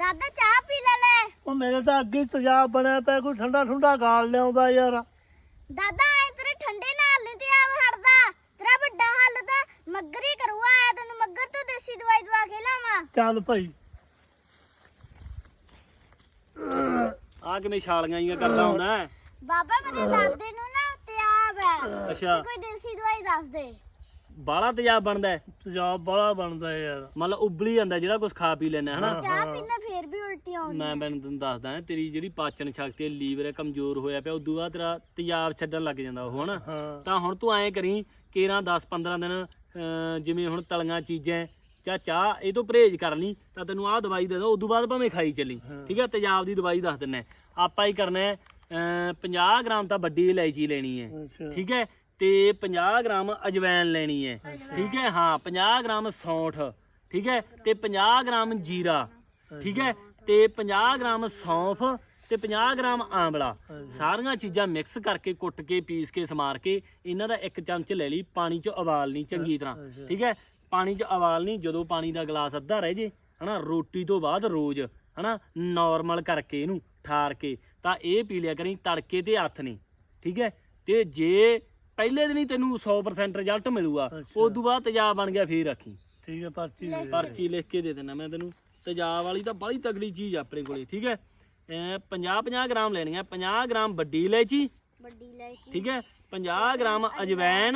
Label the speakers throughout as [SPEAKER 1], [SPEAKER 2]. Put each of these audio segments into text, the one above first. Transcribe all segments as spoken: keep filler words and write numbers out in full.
[SPEAKER 1] ਦਾਦਾ ਚਾਹ ਪੀ ਲੈ ਲੈ।
[SPEAKER 2] ਉਹ ਮੇਰੇ ਤਾਂ ਅੱਗੇ ਤੇਜ਼ਾਬ ਬਣਿਆ ਪਿਆ, ਕੋਈ ਠੰਡਾ ਠੰਡਾ ਗਾਲ ਲਿਆਉਂਦਾ ਯਾਰ।
[SPEAKER 1] ਦਾਦਾ ਐ ਤੇਰੇ ਠੰਡੇ ਨਾਲ ਨਹੀਂ ਤੇਜ਼ਾਬ ਹਟਦਾ। ਤੇਰਾ ਵੱਡਾ ਹੱਲ ਤਾਂ ਮੱਗਰ ਹੀ ਕਰੂਗਾ। ਆਇਆ ਤੈਨੂੰ ਮੱਗਰ ਤੋਂ ਦੇਸੀ ਦਵਾਈ ਦਵਾ ਕੇ ਲਿਆਵਾਂ।
[SPEAKER 2] ਚੱਲ ਭਾਈ।
[SPEAKER 3] ਆ ਕਿਵੇਂ ਛਾਲੀਆਂ ਜੀਆਂ ਕਰਦਾ ਹੁੰਦਾ?
[SPEAKER 1] ਬਾਬਾ ਮੇਰੇ ਦਾਦੇ ਨੂੰ ਨਾ ਤੇਜ਼ਾਬ ਹੈ।
[SPEAKER 3] ਅੱਛਾ।
[SPEAKER 1] ਕੋਈ ਦੇਸੀ ਦਵਾਈ ਦੱਸ ਦੇ।
[SPEAKER 3] ਬਾਲਾ ਤੇਜ਼ਾਬ ਬਣਦਾ?
[SPEAKER 2] ਤੇਜ਼ਾਬ ਬੜਾ ਬਣਦਾ ਯਾਰ।
[SPEAKER 3] ਮਤਲਬ ਉਬਲੀ ਜਾਂਦਾ ਜਿਹੜਾ ਕੁਝ ਖਾ ਪੀ ਲੈਣਾ ਹਨਾ।
[SPEAKER 1] ਚਾਹ ਪੀਣਾ ਫੇਰ ਵੀ ਉਲਟੀ ਆਉਂਦੀ।
[SPEAKER 3] ਮੈਂ ਮੈਨੂੰ ਤੈਨੂੰ ਦੱਸਦਾ ਤੇਰੀ ਜਿਹੜੀ ਪਾਚਨ ਸ਼ਕਤੀ ਹੈ, ਲੀਵਰ ਹੈ, ਕਮਜ਼ੋਰ ਹੋਇਆ ਪਿਆ। ਉਦੋਂ ਬਾਅਦ ਤੇਰਾ ਤੇਜ਼ਾਬ ਛੱਡਣ ਲੱਗ ਜਾਂਦਾ ਉਹ ਹਨਾ। ਤਾਂ ਹੁਣ ਤੂੰ ਐਂ ਕਰੀ ਕੇਰਾਂ ਦਸ ਪੰਦਰਾਂ ਦਿਨ ਜਿਵੇਂ ਹੁਣ ਤਲੀਆਂ ਚੀਜ਼ਾਂ ਚਾਹ ਚਾਹ ਇਹ ਤੋਂ ਪਰਹੇਜ਼ ਕਰ ਲਈ ਤਾਂ ਤੈਨੂੰ ਆਹ ਦਵਾਈ ਦੇ ਦੋ। ਉਦੋਂ ਬਾਅਦ ਭਾਵੇਂ ਖਾਈ ਚੱਲੀ, ਠੀਕ ਹੈ। ਤੇਜ਼ਾਬ ਦੀ ਦਵਾਈ ਦੱਸ ਦਿੰਨਾ ਆਪਾਂ ਹੀ ਕਰਨਾ ਹੈ। ਪੰਜਾਹ ਗ੍ਰਾਮ ਤਾਂ ਵੱਡੀ ਇਲਾਇਚੀ ਲੈਣੀ ਹੈ, ਠੀਕ ਹੈ। ਤੇ ਪੰਜਾਹ ਗ੍ਰਾਮ ਅਜਵੈਣ ਲੈਣੀ ਹੈ, ਠੀਕ ਹੈ। ਹਾਂ ਪੰਜਾਹ ਗ੍ਰਾਮ ਸੌਂਠ, ਠੀਕ ਹੈ। ਤੇ ਪੰਜਾਹ ਗ੍ਰਾਮ ਜੀਰਾ, ਠੀਕ ਹੈ। ਤੇ ਪੰਜਾਹ ਗ੍ਰਾਮ ਸੌਂਫ ਤੇ ਪੰਜਾਹ ਗ੍ਰਾਮ ਆਂਵਲਾ। ਸਾਰੀਆਂ ਚੀਜ਼ਾਂ ਮਿਕਸ ਕਰਕੇ ਕੁੱਟ ਕੇ ਪੀਸ ਕੇ ਸਮਾਰ ਕੇ ਇਹਨਾਂ ਦਾ ਇੱਕ ਚਮਚ ਲੈ ਲਈ, ਪਾਣੀ 'ਚ ਉਬਾਲਣੀ ਚੰਗੀ ਤਰ੍ਹਾਂ, ਠੀਕ ਹੈ। ਪਾਣੀ 'ਚ ਉਬਾਲਣੀ, ਜਦੋਂ ਪਾਣੀ ਦਾ ਗਲਾਸ ਅੱਧਾ ਰਹਿ ਜੇ ਹਨਾ, ਰੋਟੀ ਤੋਂ ਬਾਅਦ ਰੋਜ਼ ਹਨਾ ਨੋਰਮਲ ਕਰਕੇ ਇਹਨੂੰ ਠਾਰ ਕੇ ਤਾਂ ਇਹ ਪੀ ਲਿਆ ਕਰੀ ਤੜਕੇ ਤੇ ਹੱਥ ਨਹੀਂ, ਠੀਕ ਹੈ। ਤੇ ਜੇ ਪਹਿਲੇ ਦਿਨ ਹੀ ਤੈਨੂੰ ਸੌ ਪ੍ਰਸੈਂਟ ਰਿਜ਼ਲਟ ਮਿਲੂਗਾ, ਉਸ ਤੋਂ ਬਾਅਦ ਤੇਜ਼ਾਬ ਬਣ ਗਿਆ ਫੇਰ ਰੱਖੀ,
[SPEAKER 2] ਠੀਕ ਹੈ। ਪਰਚੀ
[SPEAKER 3] ਪਰਚੀ ਲਿਖ ਕੇ ਦੇ ਦੇਣਾ ਮੈਂ ਤੈਨੂੰ। ਤੇਜ਼ਾਬ ਵਾਲੀ ਤਾਂ ਬੜੀ ਤਗੜੀ ਚੀਜ਼ ਆ ਆਪਣੇ ਕੋਲੇ, ਠੀਕ ਹੈ। ਪੰਜਾਹ ਪੰਜਾਹ ਗ੍ਰਾਮ ਲੈਣੀ ਆ। ਪੰਜਾਹ ਗ੍ਰਾਮ ਵੱਡੀ ਇਲਾਇਚੀ,
[SPEAKER 1] ਵੱਡੀ ਇਲਾਇਚੀ,
[SPEAKER 3] ਠੀਕ ਹੈ। ਪੰਜਾਹ ਗ੍ਰਾਮ ਅਜਵੈਣ,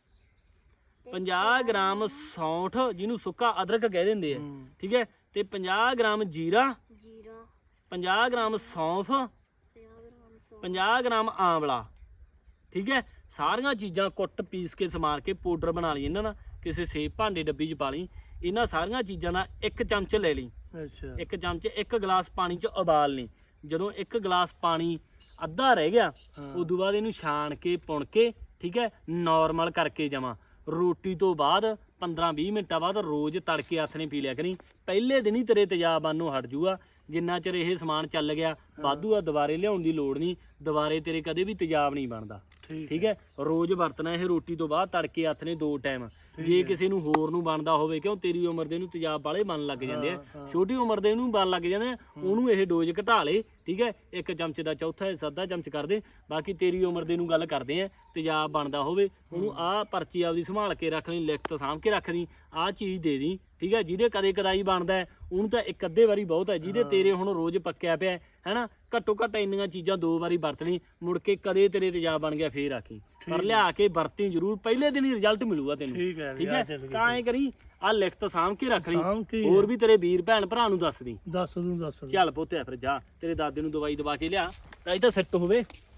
[SPEAKER 3] ਪੰਜਾਹ ਗ੍ਰਾਮ ਸੌਂਠ ਜਿਹਨੂੰ ਸੁੱਕਾ ਅਦਰਕ ਕਹਿ ਦਿੰਦੇ ਆ, ਠੀਕ ਹੈ। ਤੇ ਪੰਜਾਹ ਗ੍ਰਾਮ ਜੀਰਾ,
[SPEAKER 1] ਜੀਰਾ,
[SPEAKER 3] ਪੰਜਾਹ ਗ੍ਰਾਮ ਸੌਂਫ, ਪੰਜਾਹ ਗ੍ਰਾਮ ਆਂਵਲਾ, ਠੀਕ ਹੈ। ਸਾਰੀਆਂ ਚੀਜ਼ਾਂ ਕੁੱਟ ਪੀਸ ਕੇ ਸਮਾਰ ਕੇ ਪਾਊਡਰ ਬਣਾ ਲਈ ਇਹਨਾਂ ਦਾ। ਕਿਸੇ ਸੇਬ ਭਾਂਡੇ ਡੱਬੀ 'ਚ ਪਾ ਲਈ। ਇਹਨਾਂ ਸਾਰੀਆਂ ਚੀਜ਼ਾਂ ਦਾ ਇੱਕ ਚਮਚ ਲੈ ਲਈ,
[SPEAKER 2] ਅੱਛਾ।
[SPEAKER 3] ਇੱਕ ਚਮਚ ਇੱਕ ਗਲਾਸ ਪਾਣੀ 'ਚ ਉਬਾਲ ਲਈ। ਜਦੋਂ ਇੱਕ ਗਲਾਸ ਪਾਣੀ ਅੱਧਾ ਰਹਿ ਗਿਆ, ਉਦੋਂ ਬਾਅਦ ਇਹਨੂੰ ਛਾਣ ਕੇ ਪੁਣ ਕੇ, ਠੀਕ ਹੈ, ਨੋਰਮਲ ਕਰਕੇ ਜਾਵਾਂ। ਰੋਟੀ ਤੋਂ ਬਾਅਦ ਪੰਦਰਾਂ ਵੀਹ ਮਿੰਟਾਂ ਬਾਅਦ ਰੋਜ਼ ਤੜਕੇ ਹੱਥ ਨੇ ਪੀ ਲਿਆ ਕਰੀ। ਪਹਿਲੇ ਦਿਨ ਹੀ ਤੇਰੇ ਤੇਜ਼ਾਬ ਬਣਨੋਂ ਹਟ ਜੂਗਾ। ਜਿੰਨਾ ਚਿਰ ਇਹ ਸਮਾਨ ਚੱਲ ਗਿਆ ਵਾਧੂ ਆ, ਦੁਬਾਰੇ ਲਿਆਉਣ ਦੀ ਲੋੜ ਨਹੀਂ। ਦੁਬਾਰੇ ਤੇਰੇ ਕਦੇ ਵੀ ਤੇਜ਼ਾਬ ਨਹੀਂ ਬਣਦਾ, ਠੀਕ ਹੈ। ਰੋਜ਼ ਵਰਤਣਾ ਇਹ ਰੋਟੀ ਤੋਂ ਬਾਅਦ ਤੜਕੇ ਹੱਥ ਨੇ ਦੋ ਟਾਈਮ। ਜੇ ਕਿਸੇ ਨੂੰ ਹੋਰ ਨੂੰ ਬਣਦਾ ਹੋਵੇ, ਕਿਉਂ ਤੇਰੀ ਉਮਰ ਦੇ ਨੂੰ ਤੇਜ਼ਾਬ ਵਾਲੇ ਬਣ ਲੱਗ ਜਾਂਦੇ ਆ, ਛੋਟੀ ਉਮਰ ਦੇ ਨੂੰ ਬਣ ਲੱਗ ਜਾਂਦੇ ਆ, ਉਹਨੂੰ ਇਹ ਡੋਜ਼ ਘਟਾ ਲੇ, ਠੀਕ ਹੈ। ਇੱਕ ਚਮਚ ਦਾ ਚੌਥਾ ਹਿੱਸਾ ਅੱਧਾ ਚਮਚ ਕਰ ਦੇ। ਬਾਕੀ ਤੇਰੀ ਉਮਰ ਦੇ ਨੂੰ ਗੱਲ ਕਰਦੇ ਆ, ਤੇਜ਼ਾਬ ਬਣਦਾ ਹੋਵੇ ਉਹਨੂੰ ਆਹ ਪਰਚੀ ਆਪਦੀ ਸੰਭਾਲ ਕੇ ਰੱਖ ਲਈ, ਲਿਖਤ ਸਾਂਭ ਕੇ ਰੱਖ ਦੀ, ਆਹ ਚੀਜ਼ ਦੇ ਦੀ, ਠੀਕ ਹੈ। ਜਿਹਦੇ ਕਦੇ ਕਦਾਈ ਬਣਦਾ ਉਹਨੂੰ ਤਾਂ ਇੱਕ ਅੱਧੇ ਵਾਰੀ ਬਹੁਤ ਹੈ। ਜਿਹਦੇ ਤੇਰੇ ਹੁਣ ਰੋਜ਼ ਪੱਕਿਆ ਪਿਆ ਹੈਨਾ, ਘੱਟੋ ਘੱਟ ਇੰਨੀਆਂ ਚੀਜ਼ਾਂ ਦੋ ਵਾਰੀ ਵਰਤਣੀ। ਮੁੜ ਕੇ ਕਦੇ ਤੇਰੇ ਤੇਜ਼ਾਬ ਬਣ ਗਿਆ ਫੇਰ ਆਖੀ, ਪਰ ਲਿਆ ਕੇ ਵਰਤੀ ਜ਼ਰੂਰ। ਪਹਿਲੇ ਦਿਨ ਹੀ ਰਿਜ਼ਲਟ ਮਿਲੂਗਾ ਤੈਨੂੰ,
[SPEAKER 2] ਠੀਕ ਹੈ।
[SPEAKER 3] ਠੀਕ ਹੈ। ਤਾਂ ਐਂ ਕਰੀ ਆਹ ਲਿਖਤ ਸਾਂਭ ਕੇ ਰੱਖ ਲਈ,
[SPEAKER 2] ਸਾਂਭ ਕੇ
[SPEAKER 3] ਹੋਰ ਵੀ ਤੇਰੇ ਵੀਰ ਭੈਣ ਭਰਾ ਨੂੰ ਦੱਸ ਦੀ।
[SPEAKER 2] ਦੱਸ ਦੂੰ ਦੱਸ ਦੂੰ।
[SPEAKER 3] ਚੱਲ ਪੁੱਤਿਆ ਫਿਰ ਜਾ, ਤੇਰੇ ਦਾਦੇ ਨੂੰ ਦਵਾਈ ਦਵਾ ਕੇ ਲਿਆ ਤਾਂ ਇਹ ਤਾਂ ਸੈੱਟ ਹੋਵੇ।